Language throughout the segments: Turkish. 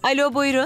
Alo, buyurun.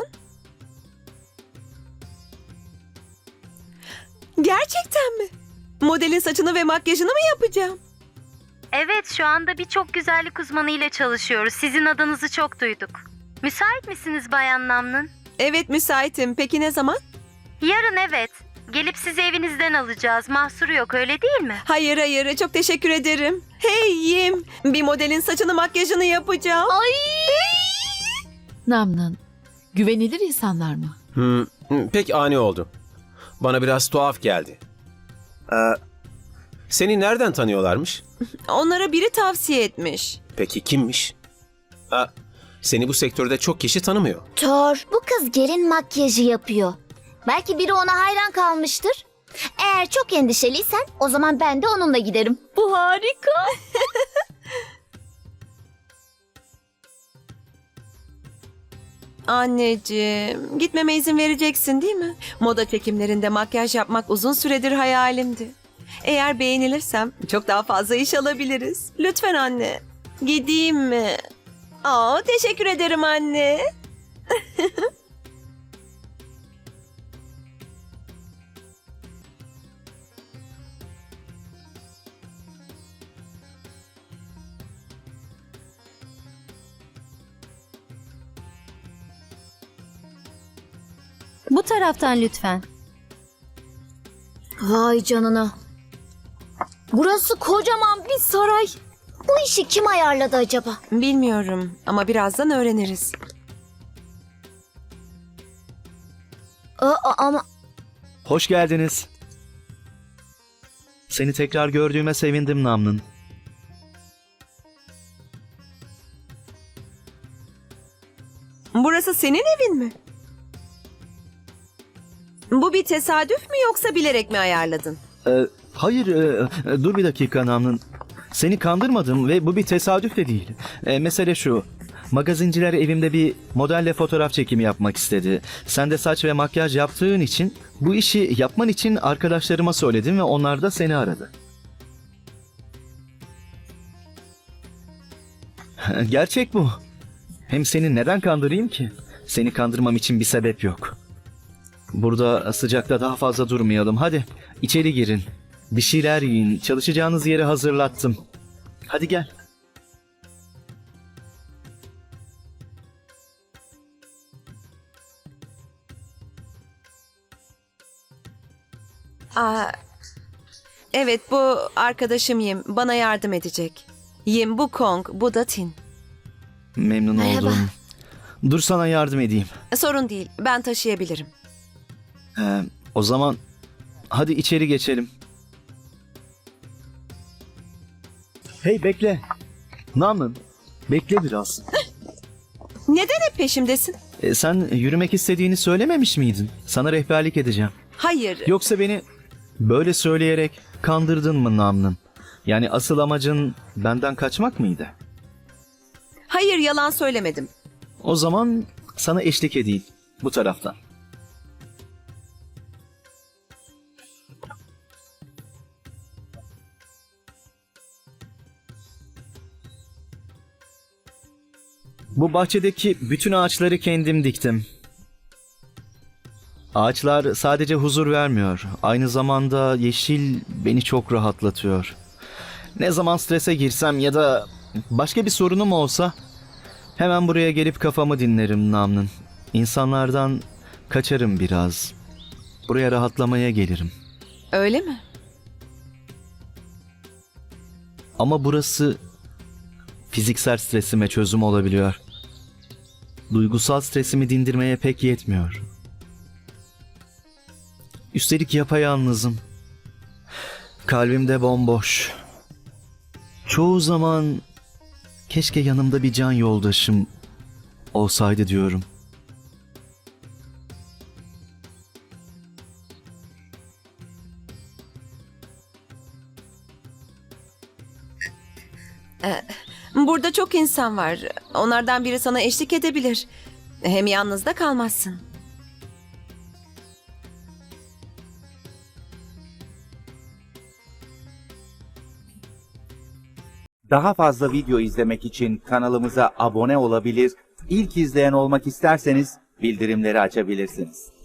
Gerçekten mi? Modelin saçını ve makyajını mı yapacağım? Evet, şu anda birçok güzellik uzmanı ile çalışıyoruz. Sizin adınızı çok duyduk. Müsait misiniz Bayan Namnın? Evet, müsaitim. Peki ne zaman? Yarın evet. Gelip sizi evinizden alacağız. Mahsuru yok, öyle değil mi? Hayır hayır, çok teşekkür ederim. Hey Yim, bir modelin saçını makyajını yapacağım. Ay! Namnın, güvenilir insanlar mı? Pek ani oldu. Bana biraz tuhaf geldi. Seni nereden tanıyorlarmış? Onlara biri tavsiye etmiş. Peki kimmiş? Seni bu sektörde çok kişi tanımıyor. Thor, bu kız gelin makyajı yapıyor. Belki biri ona hayran kalmıştır. Eğer çok endişeliysen o zaman ben de onunla giderim. Bu harika. Anneciğim, gitmeme izin vereceksin değil mi? Moda çekimlerinde makyaj yapmak uzun süredir hayalimdi. Eğer beğenilirsem çok daha fazla iş alabiliriz. Lütfen anne. Gideyim mi? Aa, teşekkür ederim anne. Bu taraftan lütfen. Vay canına. Burası kocaman bir saray. Bu işi kim ayarladı acaba? Bilmiyorum ama birazdan öğreniriz. Ama Hoş geldiniz. Seni tekrar gördüğüme sevindim Namnın. Burası senin evin mi? Bu bir tesadüf mü yoksa bilerek mi ayarladın? Hayır, dur bir dakika Namnın. Seni kandırmadım ve bu bir tesadüf de değil. Mesele şu. Magazinciler evimde bir modelle fotoğraf çekimi yapmak istedi. Sen de saç ve makyaj yaptığın için bu işi yapman için arkadaşlarıma söyledim ve onlar da seni aradı. Gerçek bu. Hem seni neden kandırayım ki? Seni kandırmam için bir sebep yok. Burada sıcakta daha fazla durmayalım. Hadi içeri girin. Bir şeyler yiyin. Çalışacağınız yeri hazırlattım. Hadi gel. Aa, evet, bu arkadaşım Yim. Bana yardım edecek. Yim, bu Kong, bu da Tin. Memnun Merhaba. oldum. Dur sana yardım edeyim. Sorun değil, ben taşıyabilirim. O zaman hadi içeri geçelim. Hey bekle. Namın, bekle biraz. Neden hep peşimdesin? Sen yürümek istediğini söylememiş miydin? Sana rehberlik edeceğim. Hayır, Yoksa beni böyle söyleyerek kandırdın mı Namnın? Yani asıl amacın benden kaçmak mıydı? hayır, yalan söylemedim. O zaman sana eşlik edeyim bu taraftan. Bu bahçedeki bütün ağaçları kendim diktim. Ağaçlar sadece huzur vermiyor. Aynı zamanda yeşil beni çok rahatlatıyor. Ne zaman strese girsem ya da başka bir sorunum olsa hemen buraya gelip kafamı dinlerim Namnın. İnsanlardan kaçarım biraz. Buraya rahatlamaya gelirim. Öyle mi? Ama burası fiziksel stresime çözüm olabiliyor. Duygusal stresimi dindirmeye pek yetmiyor. Üstelik yapayalnızım. Kalbim de bomboş. Çoğu zaman keşke yanımda bir can yoldaşım olsaydı diyorum. Burada çok insan var. Onlardan biri sana eşlik edebilir. Hem yalnız da kalmazsın. Daha fazla video izlemek için kanalımıza abone olabilir, ilk izleyen olmak isterseniz bildirimleri açabilirsiniz.